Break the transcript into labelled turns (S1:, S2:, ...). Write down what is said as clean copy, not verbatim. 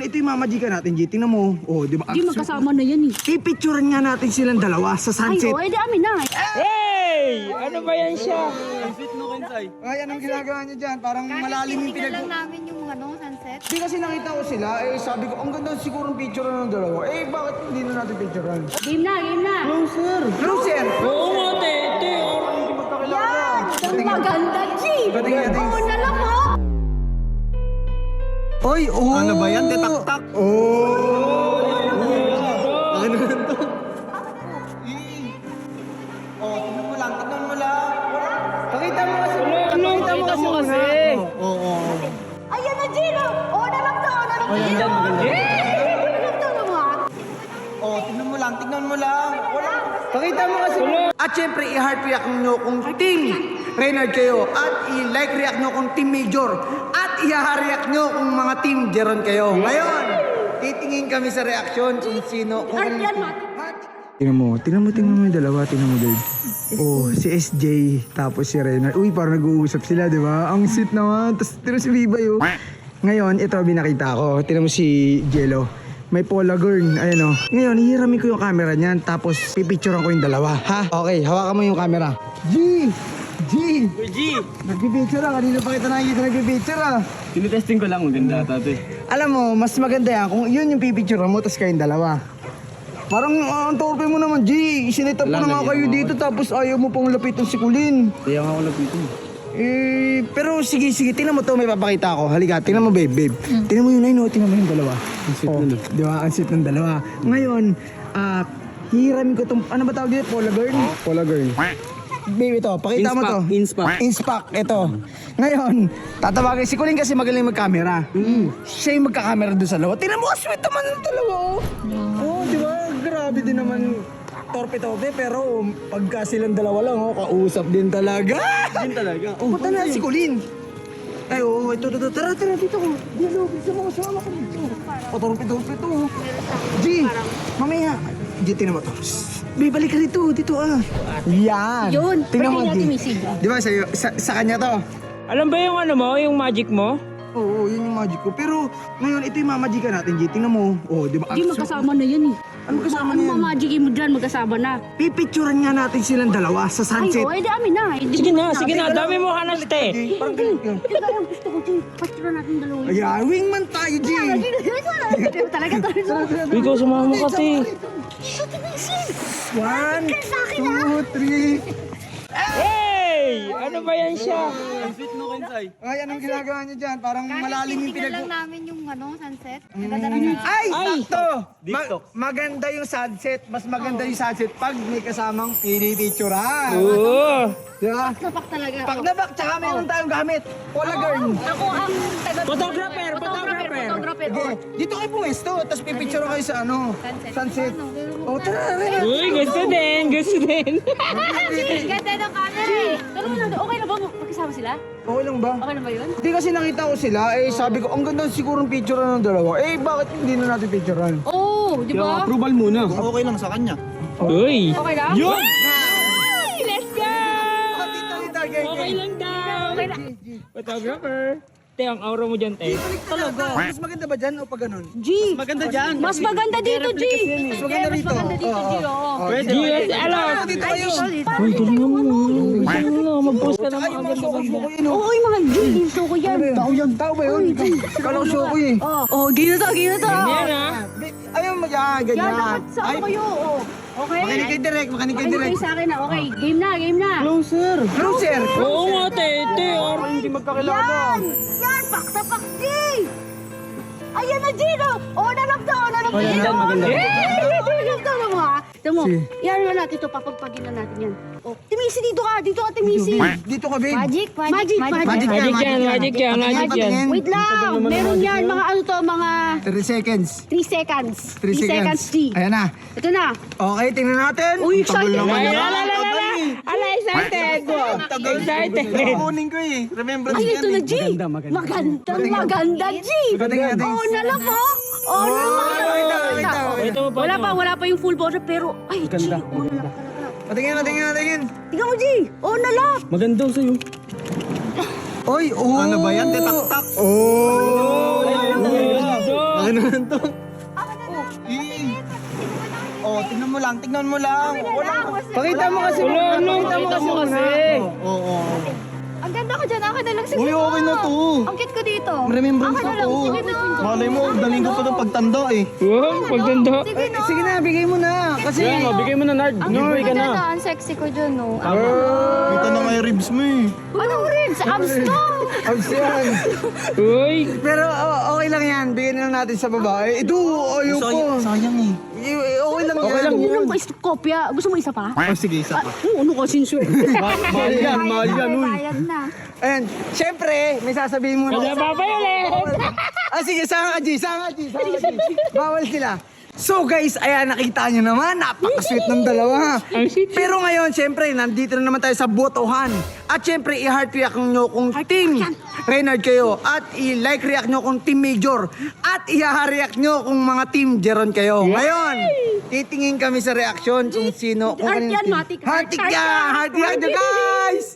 S1: ito yung mamajikan natin, G. Tingnan mo. Oh, di ba?
S2: Di magkasama na yan eh.
S1: Pipicturean nga natin silang dalawa sa
S2: Ay,
S1: sunset.
S2: oh, edi amin na.
S3: Hey! Ano ba yan siya?
S1: Ay, anong ginagawa niyo dyan? Parang malalim yung
S4: Tingnan lang namin yung sunset.
S1: Di kasi nakita ko sila, eh sabi ko, ang ganda siguro ng picture ng dalawa. Eh, bakit hindi na natin picturean?
S2: Game na, game na.
S1: Closer! Closer!
S3: Oo nga, te.
S1: Hindi magkakilala.
S2: Ang maganda, G.
S1: Patingin natin.
S2: Oo na lang, oh.
S1: Oy, oh!
S5: Ano ba yan? Detaktak?
S1: Oh!
S5: Ano ganito? Oh, tignan mo lang.
S1: Pakita mo kasi.
S3: Pakita mo kasi.
S5: Oo.
S2: Ayan na, G. Oo na lang to, oo na lang to. Oo na lang to, ano mo, ah?
S5: Oh, tignan mo lang.
S1: Pakita mo kasi. At syempre, i-heart react nyo kung Team Reynard kayo. At i-like react nyo kung Team Major. At i-react nyo kung mga Team Jeron kayo. Ngayon, titingin kami sa reaction kung sino.
S2: Art yan, Mati.
S1: Tingnan mo yung dalawa, tingnan mo, Dave. Oh, si SJ, tapos si Reynard. Uy, parang nag-uusap sila, di ba? Ang sweet naman. Tapos tingnan si Viva yun. Ngayon, ito binakita ko. Tingnan mo si Jello. May Paula Girl, ayan o. Ngayon, hihiramin ko yung camera niyan, tapos pipicturean ko yung dalawa, ha? Okay, hawakan mo yung camera. G! Nagpipicture ah, kanina pa kita nakikita nagpipicture ah.
S5: Tinitesting ko lang, maganda tate.
S1: Alam mo, mas maganda yan kung yun yung pipicturean mo, tapos kayong dalawa. Parang ang torpe mo naman, G. Isinitap ko na nga kayo dito, tapos ayaw mo pang lapitan si Kulin.
S5: Kaya nga ako lapitin.
S1: Pero sige, tingnan mo to, may papakita ako. Halika, tingnan mo, babe. Tingnan mo yun, ayun, tingnan mo yung dalawa. Ang sweet na. Di ba? Ang sweet ng dalawa. Ngayon, hihiramin ko itong, ano ba tawag dito? Paula Girl? Babe, ito, pakita mo to. Inspac, ito. Ngayon, tatawagin si Kulin kasi magaling mag-camera. Siya yung magka-camera doon sa lawa. Tingnan mo, sweet naman ng dalawa, oh. Oh, di ba? Grabe din naman. Torpe-torpe, pero pagka silang dalawa lang, oh, kausap din talaga. Oh, punta na si Kulin. Ay, oo, ito, tara, dito ko. Dito, gusto mo, sama ko dito. Torpe-torpe to. G, mamaya. G, tingnan mo to. May balik ka dito ah. Yan.
S2: Yun,
S1: Tingnan mo,
S2: birthday natin,
S1: G.
S2: Missy.
S1: Di ba, sa kanya to?
S3: Alam ba yung ano mo, yung magic mo?
S1: Oo, yun yung magic ko. Pero ngayon, ito yung mamajikan natin, G. Tingnan mo. Oh, di ba?
S2: Di magkasama na yan eh.
S1: Ano kasama
S2: Ano
S1: na yan?
S2: mamagigin mo dyan, magkasama na.
S1: Pipicturean nga natin silang dalawa sa
S2: Ay,
S1: sunset.
S2: oh, edi amin na.
S3: Sige na, dami mo hanas, te.
S1: Parang ganyan.
S2: Ito yung gusto ko, G. Pastro natin dalawa.
S1: Ayan, wingman tayo, G.
S2: Talaga to.
S3: Ikaw, sumama ka, te.
S1: One, two, three.
S3: Hey! Ano ba yan siya?
S1: Ay, anong ginagawa niyo dyan? Parang malalim yung
S4: Tingnan lang
S1: pinag...
S4: namin yung sunset. Ang ganda ng sunset.
S1: Ay, sakto! Maganda yung sunset. Mas maganda yung sunset pag may kasamang pinipicturean.
S3: Oo.
S1: Di ba?
S2: Sapak talaga.
S1: Pag nabak, tsaka meron tayong gamit. Paula Girl.
S2: Ako ang
S3: Photographer.
S1: Sige, dito kayo pumesto, tapos pipicture kayo sa ano? Sunset. Oh, tara.
S3: Uy, gusto din.
S4: Ganda ng camera eh.
S2: Pero okay na ba magkasama sila?
S1: Okay lang ba?
S2: Okay na ba yun?
S1: Hindi kasi nakita ko sila, eh sabi ko, ang ganda siguro ng picture ng dalawa. Eh, bakit hindi na natin picturean?
S2: Oo, di ba?
S5: Approval muna. Okay lang sa kanya.
S3: Uy.
S2: Okay lang?
S3: Yun!
S2: Ay, let's go!
S3: Okay lang daw. Photographer. Te, ang aura mo dyan, te.
S1: Talaga. Mas maganda ba dyan o pag ganun?
S2: G!
S5: Maganda dyan.
S2: Mas maganda dito, G!
S1: Mas maganda rito.
S2: Mas maganda dito, G, oo.
S3: Yes, alam.
S1: Dito kayo.
S3: Uy, galingan mo. Galingan mo. Mag-post ka ng
S1: Ay,
S3: mga
S1: mga show-show ko yun.
S2: Oo, yung mga G, dito ko yan.
S1: Tao yan. Tao ba yun? Kala ko show ko eh.
S2: Oo, gino to.
S3: Yan, ha?
S1: Ayaw mo yan.
S2: Yan,
S1: Ganyan.
S2: dapat sa kayo, oo. Okay?
S1: Makinig kay Direk. Makinig kay
S2: Ano
S1: Direk.
S2: kayo sa akin na? Okay, game na.
S1: Closer. Closer.
S3: Oo nga, te. Te,
S1: Hindi magkakilala.
S2: Yan, pak sa pak, G! Ayan na, G, no? Oo na lang to,
S3: maganda.
S2: Tama mo, ha? Tama mo,
S1: Si.
S2: yan na natin ito, papagpagin na natin yan. Oh, Timisi, dito ka, Timisi.
S1: Dito ka, babe.
S2: Magic.
S3: Magic yan.
S2: Wait lang, meron yan, mga ano to, mga
S1: 3 seconds.
S2: 3 seconds.
S1: 3 seconds.
S2: G.
S1: Ayan na.
S2: Ito na.
S1: Okay, tingnan natin.
S2: Uy,
S1: Ang tagal
S2: excited.
S1: naman
S3: Ala,
S1: yan.
S3: ala, ala, ala. Ala, excited. Excited.
S5: Kukunin ko eh. Remembrance
S2: Ay, ito na, G. Maganda, G.
S1: Tingnan natin.
S2: Oo na lang, po. Oo na lang.
S1: Ito.
S2: Wala pa yung full bottle, pero, ay, G. Oo na lang.
S1: Patingin.
S2: Tingnan mo, G. Oo na lang.
S5: Maganda sa'yo.
S1: Oy, oh.
S5: Ano ba yan? Detaktak?
S1: Oh.
S5: Akin naman to.
S4: Ako na lang.
S5: Oh, tignan mo lang.
S1: Pakita mo kasi.
S3: Pakita mo kasi.
S5: Oo.
S4: Ang ganda ko dyan, ako na lang. Sige
S5: Uy, okay na to.
S4: Ang cute ko dito.
S5: Remembrance
S4: Ako
S5: na
S4: na lang,
S5: to.
S4: sige na.
S5: Malay mo, daling ko pa ng pagtanda eh.
S3: Wow, pagdanda.
S4: Sige na.
S1: Sige na, bigay mo na. Kasi,
S5: bigay mo na, Nard.
S4: Ang ganda na, ang sexy ko dyan, no.
S5: Kita na nga yung ribs mo eh.
S4: Anong ribs? Abs to!
S1: abs yan.
S3: Uy,
S1: Pero okay lang yan. Bigyan na lang natin sa babae. Ito, ayaw ko.
S5: Sayang eh.
S1: Okay lang yan.
S2: Ilang pa kopya? Gusto mo isa pa?
S5: Oh, sige, isa pa.
S2: Ano ka, sinso eh?
S5: Mahal yan, uy.
S4: Bayad na.
S1: Ayan, syempre, may sasabihin mo
S3: kaya
S1: na.
S3: babay ulit.
S1: Sige, sanga ka, G. Bawal sila. So guys, ayan, nakita nyo naman, napaka-sweet ng dalawa.
S3: Ang sweet.
S1: Pero ngayon, syempre, nandito na naman tayo sa botohan. At syempre, i-heart react nyo kung team Reynard kayo. At i-like react nyo kung team Major. At i-react nyo kung mga team Jeron kayo. Ngayon, titingin kami sa reaction kung sino. Kung
S2: Heart
S1: kanino
S2: yan,
S1: team.
S2: matik.
S1: Heart yan! Heart react nyo, guys!